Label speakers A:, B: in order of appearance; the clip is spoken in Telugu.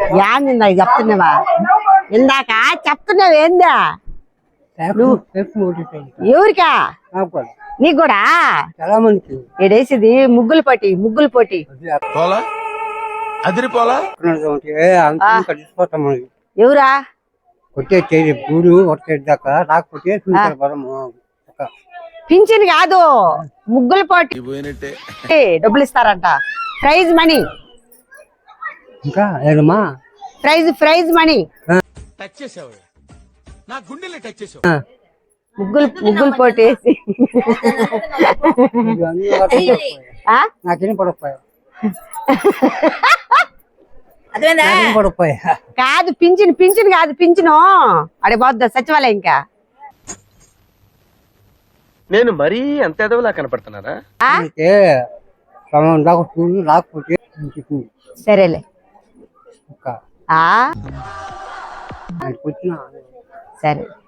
A: ఏంది ఇందాక చెప్తున్నావా? ఇందాక చెప్తున్నావు ఏందా? ఎవరికా? నీకు కూడా ఏడేసిది ముగ్గులు పోటీ ఎవరా
B: కొట్టే గూడు దాకా రాకపోతే
A: పింఛన్ కాదు ముగ్గులు పోటీ డబ్బులు ఇస్తారంట. ప్రైజ్ మనీ
B: ఇంకా ఏదమ్మా
A: ప్రైజ్ మనీ ముగ్గులు పోటేసి
B: నాకేం పడకపోయా
A: కాదు పింఛన్ కాదు పింఛను అడే పోద్దా సచివాలయం. ఇంకా
C: నేను మరీ అంత ఎదవలా కనపడుతున్నారా?
B: రాకపోతే
A: సరేలే సరే.